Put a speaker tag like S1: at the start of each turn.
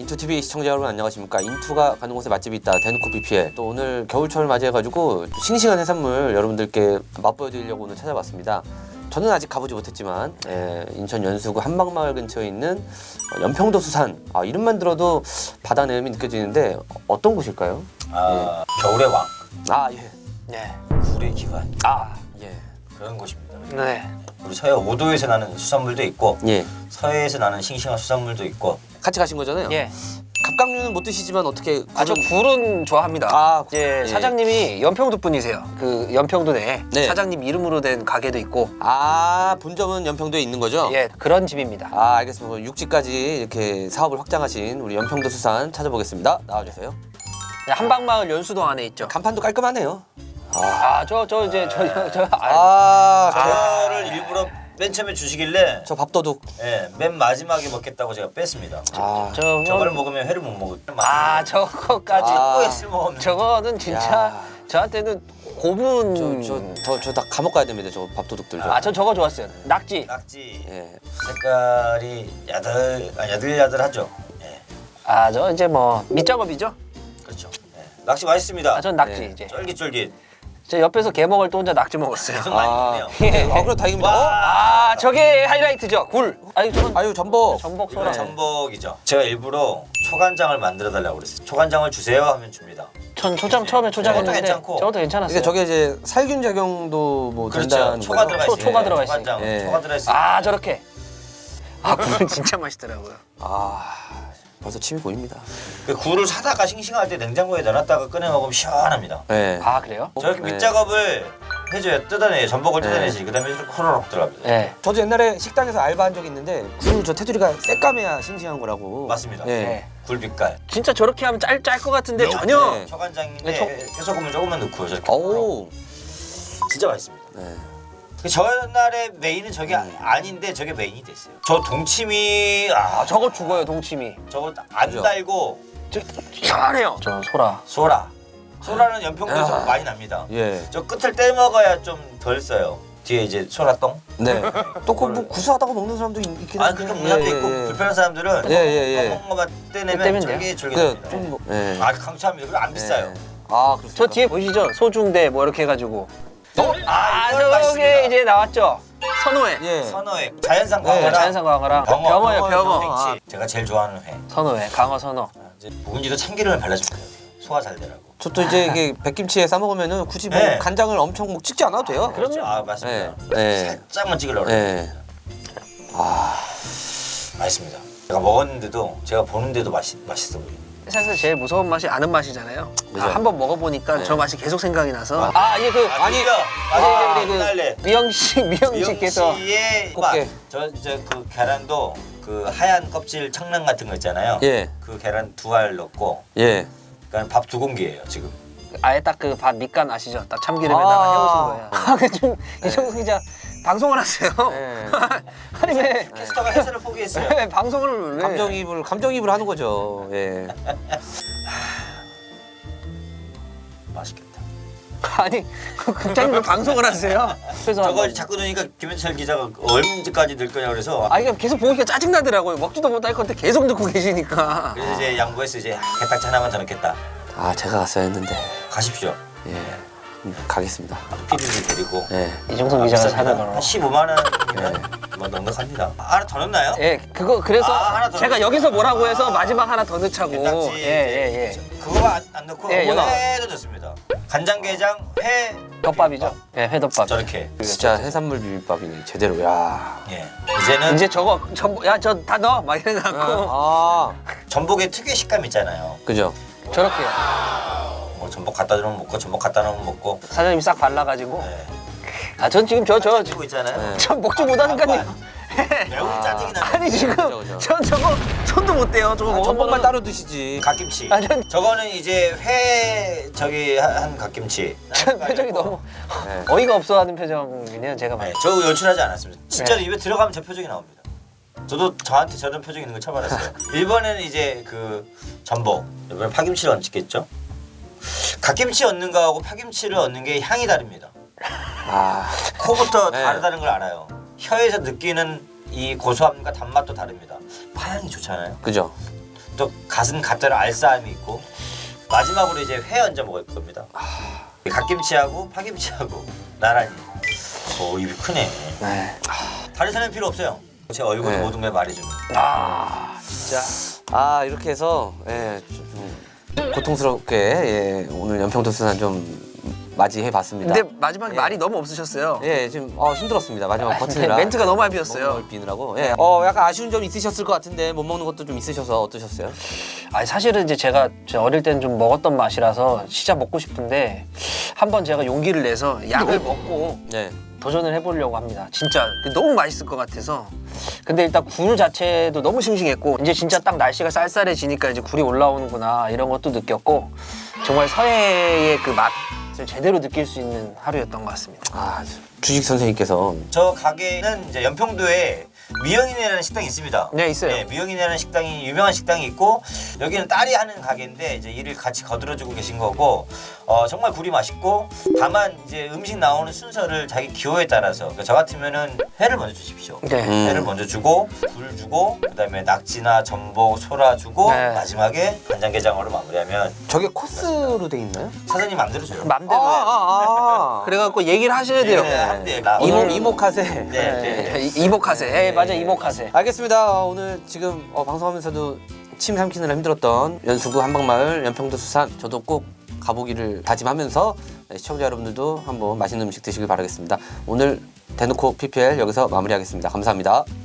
S1: 인투TV 시청자 여러분 안녕하십니까. 인투가 가는 곳에 맛집이 있다 대놓고 BPL. 또 오늘 겨울철 맞이해가지고 싱싱한 해산물 여러분들께 맛보여드리려고 오늘 찾아봤습니다. 저는 아직 가보지 못했지만 인천 연수구 한방마을 근처에 있는 연평도 수산. 이름만 들어도 바다 내음이 느껴지는데 어떤 곳일까요?
S2: 겨울의 왕.
S1: 예.
S3: 네.
S2: 굴의 기관.
S1: 예.
S2: 그런 곳입니다.
S3: 네.
S2: 우리 서해 5도에서 나는 수산물도 있고
S1: 예.
S2: 서해에서 나는 싱싱한 수산물도 있고.
S1: 같이 가신 거잖아요?
S3: 예.
S1: 갑각류는 못 드시지만 어떻게
S3: 저 굴은 좋아합니다. 이제
S1: 예.
S3: 사장님이 연평도 분이세요. 그 연평도 내에
S1: 네.
S3: 사장님 이름으로 된 가게도 있고.
S1: 본점은 연평도에 있는 거죠?
S3: 예, 그런 집입니다.
S1: 알겠습니다. 그럼 육지까지 이렇게 사업을 확장하신 우리 연평도 수산 찾아보겠습니다. 나와주세요.
S3: 네, 한방마을 연수동 안에 있죠.
S1: 간판도 깔끔하네요.
S2: 저를 일부러 맨 처음에 주시길래
S1: 저 밥도둑.
S2: 맨 마지막에 먹겠다고 제가 뺐습니다. 저걸 먹으면 회를 못 먹을.
S3: 저거까지.
S2: 뭐에 쓸모없는.
S3: 저거는 진짜 저한테는 고분.
S1: 저 다 감옥 가야 됩니다. 저 밥도둑들.
S3: 전 저거 좋았어요. 낙지.
S2: 낙지.
S1: 예.
S2: 색깔이 야들야들하죠. 예.
S3: 저 이제 뭐 밑작업이죠.
S2: 그렇죠. 낙지 맛있습니다.
S3: 전 낙지
S1: 네.
S3: 이제.
S2: 쫄깃쫄깃.
S3: 저 옆에서 게 먹을 때 혼자 낙지 먹었어요.
S2: 계속 많이 먹네요.
S3: 예.
S1: 그럼 다행입니다.
S3: 저게 하이라이트죠. 굴. 저는
S1: 전복.
S3: 전복 소라.
S2: 전복이죠. 제가 일부러 초간장을 만들어 달라고 그랬어요. 초간장을 주세요 하면 줍니다.
S3: 전 초장 처음에 초장했는데
S2: 괜찮고.
S3: 저것도 괜찮았어요.
S1: 그러니까 저게 이제 살균 작용도 뭐
S2: 그렇죠.
S1: 된다는
S2: 초가
S1: 거죠?
S2: 들어가 있어요.
S3: 초가 들어가 있으니까.
S2: 초간장,
S1: 예.
S2: 초가 들어가 있어요.
S3: 저렇게. 굴은 진짜 맛있더라고요.
S1: 벌써 침이 고입니다.
S2: 그 굴을 사다가 싱싱할 때 냉장고에 넣어놨다가 꺼내 먹으면 시원합니다.
S1: 네.
S3: 그래요?
S2: 저렇게
S1: 네.
S2: 밑작업을 해줘야 뜯어내요. 전복을 뜯어내지. 그다음에 이렇게 호로록 들어갑니다.
S3: 네.
S1: 저도 옛날에 식당에서 알바한 적이 있는데 굴 저 테두리가 새까매야 싱싱한 거라고.
S2: 맞습니다.
S1: 예.
S3: 네.
S2: 굴 빛깔.
S3: 진짜 저렇게 하면 짤 것 같은데 전혀.
S1: 네.
S2: 초간장인데 해소금을 조금만 넣고 저렇게. 진짜 맛있습니다.
S1: 네.
S2: 전날의 메인은 저게 아닌데 저게 메인이 됐어요. 저 동치미
S3: 저거 죽어요 동치미.
S2: 저거 안
S1: 그죠?
S2: 달고
S3: 시원해요. 저 소라.
S2: 소라는 연평도에서 많이 납니다.
S1: 예.
S2: 저 끝을 떼 먹어야 좀 덜 써요. 뒤에 이제 소라똥.
S1: 네. 또 뭐 구수하다고 먹는 사람도 있긴 한데.
S2: 그렇게 문화도 있고 불편한 사람들은
S1: 예.
S2: 먹은 것만 떼내면
S3: 떼면 돼요?
S2: 쫄깃쫄깃합니다.
S1: 좀 예.
S2: 강추합니다. 그리고 안 비싸요.
S1: 그렇습니다.
S3: 저 뒤에 보이시죠? 소중대 뭐 이렇게 해가지고.
S2: 이거
S3: 저게
S2: 맛있습니다.
S3: 이제 나왔죠. 선호회.
S1: 예.
S2: 선어회, 자연산
S1: 네,
S2: 광어랑
S3: 자연산 광어랑
S2: 병어예요,
S3: 병어.
S2: 팽치. 제가 제일 좋아하는 회.
S3: 선호회, 강어 선호.
S2: 이제 묵은지도 참기름을 발라주면 돼요. 소화 잘 되라고.
S1: 저도 이제 이게 백김치에 싸 먹으면은 굳이 뭐
S2: 네.
S1: 간장을 엄청 뭐 찍지 않아도 돼요.
S3: 그럼요.
S2: 맞습니다.
S1: 네.
S2: 살짝만 찍으려고 그래요.
S1: 예.
S2: 맛있습니다. 제가 먹었는데도 제가 보는데도 맛있어 보여요.
S3: 세상에서 제일 무서운 맛이 아는 맛이잖아요.
S1: 그죠?
S3: 한번 먹어보니까
S1: 네.
S3: 저 맛이 계속 생각이 나서.
S2: 우리
S3: 그 미영씨께서
S2: 씨의
S1: 꽃게.
S2: 그 계란도 그 하얀 껍질 청란 같은 거 있잖아요.
S1: 예.
S2: 그 계란 2알 넣고
S1: 예.
S2: 그러니까 밥 2공기예요 지금.
S3: 아예 딱 그 밥 밑간 아시죠? 딱 참기름에다가 해오신 거예요. 좀 이정수 기자 방송을 하세요.
S1: 네.
S3: 아니 왜
S2: 캐스터가 해설을 포기했어요.
S3: 왜 방송을 왜?
S1: 감정이입을 하는 거죠. 예.
S2: 맛있겠다.
S3: 아니 국장님 왜 방송을 하세요? 그래서
S2: 저걸 자꾸 넣으니까 김현철 기자가 얼마까지 늘 거냐 그래서
S3: 이거 계속 보니까 짜증 나더라고요. 먹지도 못할 건데 계속 듣고 계시니까.
S2: 그래서 이제 양보해서 이제 게딱지 하나만 더 넣겠다.
S1: 제가 갔어야 했는데.
S2: 가십시오.
S1: 예. 가겠습니다.
S2: PD를 데리고.
S1: 예.
S3: 이정성 기자가 사는
S2: 한
S3: 거로.
S2: 15만 원이면 뭐 넉넉합니다. 하나 더 넣나요?
S3: 예, 그래서
S2: 하나 더
S3: 제가
S2: 넣어요?
S3: 여기서 뭐라고 해서 마지막 하나 더 넣자고.
S2: 게딱지.
S3: 예.
S2: 그거만 안 넣고
S3: 예, 여기.
S2: 회도 넣습니다. 간장게장, 회,
S3: 덮밥이죠. 예, 회덮밥.
S2: 저렇게.
S1: 진짜 해산물 비빔밥이네. 제대로. 야.
S2: 예. 이제는
S3: 이제 저거 전복 저 다 넣어 막 이래 갖고
S2: 전복의 특유의 식감 있잖아요.
S1: 그죠?
S3: 저렇게요.
S2: 뭐 전복 갖다 주면 먹고 전복 갖다 놓으면 먹고.
S3: 사장님이 싹 발라가지고.
S2: 네.
S3: 전 지금 저
S2: 찍고 있잖아요.
S3: 전 먹지 못하니까요.
S2: 매우 짜증이 나요.
S3: 아니 지금
S1: 그죠.
S3: 전 저거 손도 못 대요. 저거
S1: 전복만 따로 드시지.
S2: 갓김치.
S3: 전
S2: 저거는 이제 회 저기 한 갓김치.
S3: 표정이 너무
S1: 네.
S3: 어이가 없어하는 표정이네요. 제가
S2: 네,
S3: 봐요.
S2: 저 연출하지 않았습니다. 진짜로
S3: 네.
S2: 입에 들어가면 저 표정이 나옵니다. 저도 저한테 저런 표정 있는 거 처음 알았어요. 1번에는 이제 그 전복, 이번에 파김치를 얹겠죠. 갓김치 얹는 거하고 파김치를 얹는 게 향이 다릅니다. 코부터
S1: 네.
S2: 다르다는 걸 알아요. 혀에서 느끼는 이 고소함과 단맛도 다릅니다. 파향이 좋잖아요.
S1: 그죠?
S2: 또 갓은 갓대로 알싸함이 있고 마지막으로 이제 회 얹어 먹을 겁니다. 갓김치하고 파김치하고 나란히. 오 입이 크네.
S3: 네.
S2: 다른 사람 필요 없어요. 제 얼굴
S1: 네.
S2: 모든 걸 말해주는.
S3: 진짜.
S1: 아 이렇게 해서 좀 고통스럽게 오늘 연평도수산 좀 맞이해봤습니다.
S3: 근데 마지막에
S1: 예.
S3: 말이 너무 없으셨어요.
S1: 예, 지금 힘들었습니다. 마지막 버티느라.
S3: 멘트가 너무 많이
S1: 먹는
S3: 비었어요.
S1: 걸 비느라고. 예, 약간 아쉬운 점이 있으셨을 것 같은데 못 먹는 것도 좀 있으셔서 어떠셨어요?
S3: 아니 사실은 이제 제가 어릴 때는 좀 먹었던 맛이라서 진짜 먹고 싶은데 한번 제가 용기를 내서 약을 먹고
S1: 네.
S3: 도전을 해보려고 합니다. 진짜 너무 맛있을 것 같아서. 근데 일단 굴 자체도 너무 싱싱했고 이제 진짜 딱 날씨가 쌀쌀해지니까 이제 굴이 올라오는구나 이런 것도 느꼈고 정말 서해의 그 맛을 제대로 느낄 수 있는 하루였던 것 같습니다.
S1: 아, 주식 선생님께서
S2: 저 가게는 이제 연평도에 미영이네라는 식당이 있습니다.
S3: 네, 있어요.
S2: 네, 미영이네라는 식당이 유명한 식당이 있고 여기는 딸이 하는 가게인데 이제 일을 같이 거들어주고 계신 거고 정말 굴이 맛있고 다만 이제 음식 나오는 순서를 자기 기호에 따라서 그러니까 저 같으면은 회를 먼저 주십시오.
S3: 네.
S2: 회를 먼저 주고 굴 주고 그다음에 낙지나 전복, 소라 주고
S3: 네.
S2: 마지막에 간장게장으로 마무리하면
S1: 저게 코스로 돼 있나요?
S2: 사장님 맘대로 줘요.
S3: 맘대로 해요. 그래갖고 얘기를 하셔야 돼요.
S2: 네, 한대.
S1: 이모카세.
S2: 네.
S3: 이모카세. 예, 맞아 이모카세.
S1: 알겠습니다. 오늘 지금 방송하면서도 침 삼키느라 힘들었던 연수구 한방마을 연평도 수산 저도 꼭 가보기를 다짐하면서 시청자 여러분들도 한번 맛있는 음식 드시길 바라겠습니다. 오늘 대놓고 PPL 여기서 마무리하겠습니다. 감사합니다.